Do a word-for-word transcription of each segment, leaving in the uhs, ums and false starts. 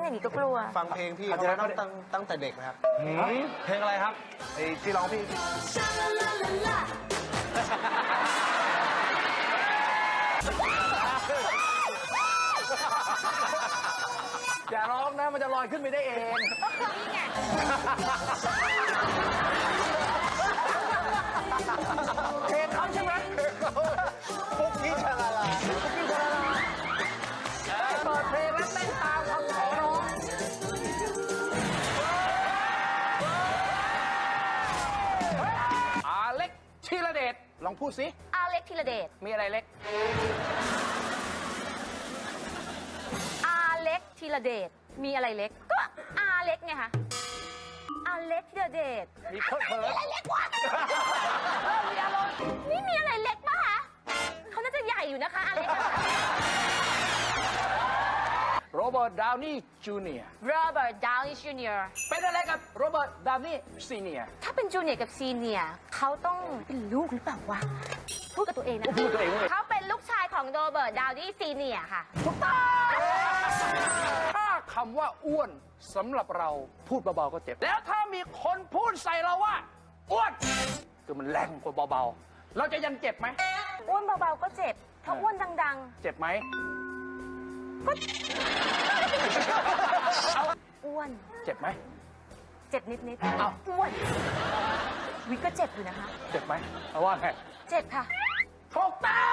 อย่างนี้ก็กลัวฟังเพลงพี่เขาตั้งตั้งตั้งแต่เด็กนะครับเพลงอะไรครับไอ้ที่ร้องพี่อย่าร้องนะมันจะลอยขึ้นไปได้เองเพลงเขาใช่ไหมปุ๊กกี้ชาลาลาปุ๊กกี้ชาลาลาเปิดเพลงแล้วเต้นตามคำขอร้องอาเล็กธีรเดชลองพูดสิอาเล็กธีรเดชมีอะไรเล็กอาเล็กธีรเดชมีอะไรเล็กก็อาเล็กไงคะอาเล็กธีรเดชมีเพิ่มเพิ่มอะไรเล็กวะมีอารมณ์นี่มีอะไรเล็กปะคะเขาน่าจะใหญ่อยู่นะคะอาเล็กโรเบิร์ต ดาวนี่ จูเนียร์โรเบิร์ต ดาวนี่ จูเนียร์เป็นอะไรกับโรเบิร์ต ดาวนี่ ซีเนียร์ถ้าเป็นจูเนียร์กับซีเนียร์เขาต้องเป็นลูกหรือเปล่าวะพูดกับตัวเองนะพูดตัวเองเลยเขาเป็นลูกชายของโรเบิร์ต ดาวนี่ ซีเนียร์ค่ะถูกต้องถ้าคำว่าอ้วนสำหรับเราพูดเบาๆก็เจ็บ แล้วถ้ามีคนพูดใส่เราว่าอ้วนคือมันแรงกว่าเบาๆเราจะยังเจ็บไหมอ้วนเบาๆก็เจ็บถ้าอ้วนดังเจ็บไหมๆอ้วนเจ็บไหมเจ็บนิดๆเอ้าอ้วนวิก็เจ็บอยู่นะคะเจ็บไหมเอาว่าไงเจ็บค่ะถูกต้อง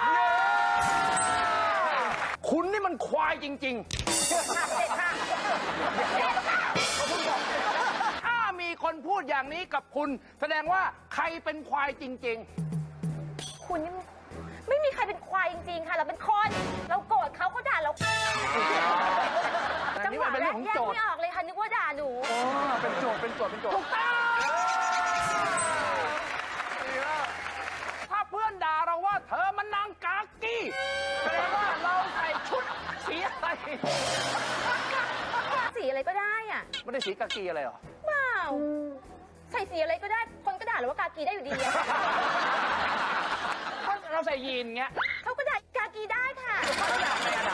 คุณนี่มันควายจริงๆเจ็บค่ะเจ็บค่ะเจ็บค่ะถ้ามีคนพูดอย่างนี้กับคุณ แสดงว่าใครเป็นควายจริงคุณนี่ไม่มีใครเป็นควายจริงๆค่ะ เราเป็นคนเราโกรธเขาเขาด่าเราๆจังหวะเป็นแรเรื่อก งของแยกโจทย์ไม่ออกเลยค่ะนึกว่าด่าหนูอ๋อเป็นโจทย์เป็นโจทย์เป็นโจทย์ถูกต้องถ้าเพื่อนด่าเราว่าเธอมันนางกากี้แสดงว่าเราใส่ชุดสีอะไรสีอะไรก็ได้อ่ะไม่ได้สีกากีอะไรหรอเปล่าใส่สีอะไรก็ได้ คนก็ด่าเราว่ากากีได้อยู่ดีอะถ้าเราใส่ยีนเงี้ยเขาก็ด่ากากีได้ค่ะเขาด่าไม่ด่า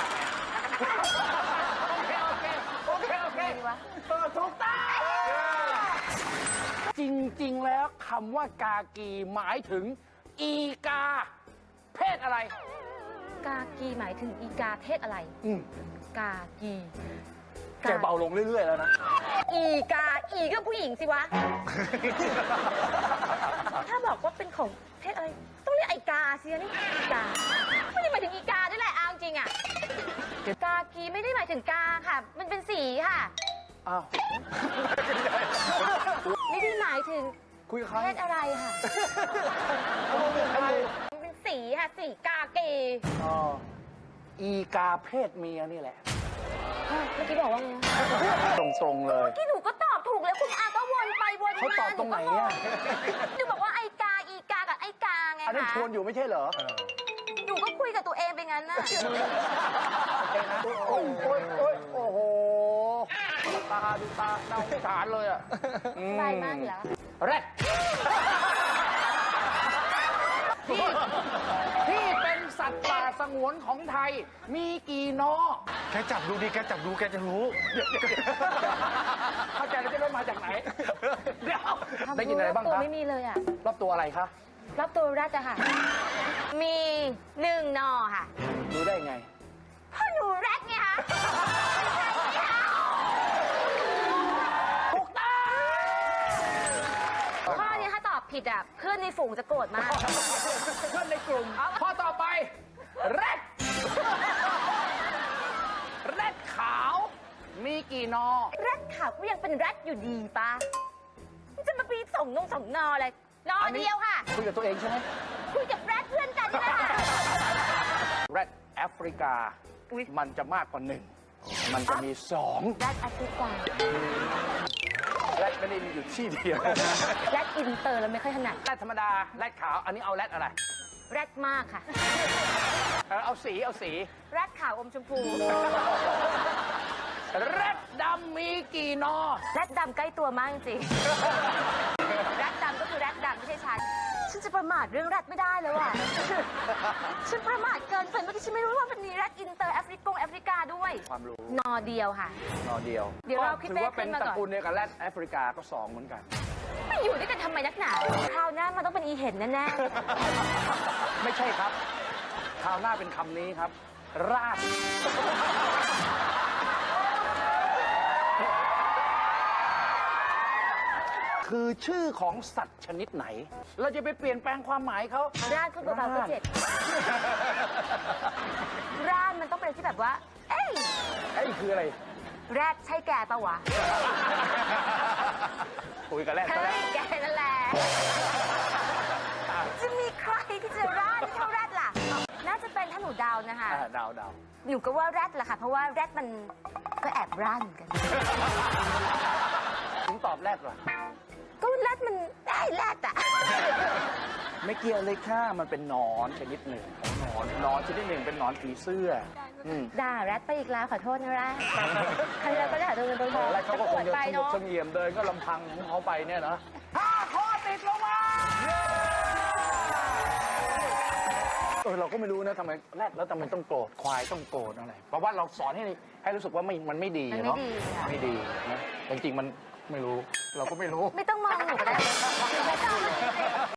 โอเคโอเคโอเคโอเคดีวะเออถูกต้องจริงๆแล้วคำว่ากากีหมายถึงอีกา เพศอะไรกากีหมายถึงอีกาเพศอะไรอืมกากีแกเบาลงเรื่อยๆแล้วนะอีกา อีก็ผู้หญิงสิวะ ถ้าบอกว่าเป็นของเพศอะไร ต้องเรียกไอกาสินี่อีกา ไม่ได้หมายถึงอีกาด้วยแหละเอาจริงอะกากีไม่ได้หมายถึงกาค่ะ มันเป็นสีค่ะอ้าวไม่ได้หมายถึงคุยกับใครเพศอะไรค่ะ มันเป็นสีค่ะ สีกากีอ๋ออีกาเพศเมียนี่แหละเฮ้ยเมื่อกี้บอกว่าไงนะตรงๆเลยเมื่อกี้หนูก็ตอบถูกแล้วคุณอาก็วนไปวนมาเขาตอบตรงไหนอะหนูบอกว่าไอกา อีกากับไอกาไงอันนั้นคะชวนอยู่ไม่ใช่เหรอหนูก็คุยกับตัวเองไปงั้นน่ะโอ้ยโอ้ยโอ้ยโอ้โหดูตาดูตาน่าสงสารเลยอ่ะสบายมากอยู่แล้วแรดที่ที่เป็นสัตว์ป่าสงวนของไทย มีกี่นอแกจับดูดิแกจับดูแกจะรู้เข้าใจแล้วจะได้มาจากไหน เดี๋ยว ได้ยินอะไรบ้างตัวคะไม่มีเลยอ่ะรอบตัวอะไรคะรับตัวแรกอะค่ะ มีหนึ่งนอค่ะรู้ได้ไงพ่อหนูแรกไงคะถูกต้องข้อนี้ถ้าตอบผิดอ่ะเพื่อนในฝูงจะโกรธมากเพื่อนในกลุ่มข้อต่อไปแรดแรดขาว มีกี่นอแรดขาวก็ยังเป็นแรดอยู่ดีปะมันจะมาปีส่งนงส่งนออะไรนอเดียวค่ะคุยกับตัวเองใช่ไหมคุยกับแรดเพื่อนกันนี่แหละค่ะแรดแอฟริกา มันจะมากกว่าหนึ่ง มันจะมีสองแรดแอฟริกาแรดไม่ได้มีอยู่ที่เดียวแรดอินเตอร์เราไม่ค่อยถนัดแรดธรรมดา แรดขาว อันนี้เอาแรดอะไรแรดมากค่ะเออเอาสี เอาสีแรดขาวอมชมพูแรดดำมีกี่นอแรดดำใกล้ตัวมากจริงๆแรดดำก็คือแรดดำไม่ใช่ฉัน ฉฉันจะประมาทเรื่องแรดไม่ได้แล้วอ่ะ ฉันประมาทเกินไปเมื่อกี้ฉันไม่รู้ว่ามันมีแรดอินเตอร์แอฟริกงแอฟริกาด้วยความรู้นอเดียวค่ะนอเดียวเดี๋ยวเราพี่ถืเป้อว่าเป็นขึ้นมาตก่อนระกูลเดียวกับแรดแอฟริกาก็สองเหมือนกันไม่อยู่ด้วยกันทำไมนักหนาคราวหน้ามันต้องเป็นอีเห็นแน่ไม่ใช่ครับ คราวหน้าเป็นคำนี้ครับ ราด คือชื่อของสัตว์ชนิดไหน เราจะไปเปลี่ยนแปลงความหมายเขาๆร่านคุณเบาๆก็เจ็บร่านมันต้องเป็นที่แบบว่า เอ้ยไอ้คืออะไรแรดใช่แกปะวะคุยกับแรดเฮ้ซะแล้วยแกนั่นแหละ จะมีใครที่จะร่านเท่าแรดล่ะ น่าจะเป็นถ้าหนูเดาวนะคะอ่าดาวดาวหนูก็ว่าแรดแหละค่ะ เพราะว่าแรดมันก็แอบร่านเหมือนกันถึงตอบแรดเหรอก็แรดมันได้แรดอะไม่เกี่ยวเลยค่ะ มันเป็นหนอนชนิดหนึ่งของหนอนหนอนชนิดหนึ่งเป็นหนอนผีเสื้ออืมด่าแรดไปอีกแล้วขอโทษนะแรดใครเราก็ด่าตัวเงินตัวทองแล้วเขาก็คงจะไปสงบเนาะเสงี่ยมเดินก็ลำพังของเขาไปเนี่ยนะห้าข้อติดลงมาเออเราก็ไม่รู้นะทำไมแรดแล้วทำไมต้องโกรธควายต้องโกรธอะไรเพราะว่าเราสอนให้ให้รู้สึกว่าไม่มันไม่ดีมันไม่เนาะดีค่ะไม่ดีนะจริงๆมันไม่รู้ เราก็ไม่รู้ไม่ต้องมองหนูก็ได้ไม่ต้อง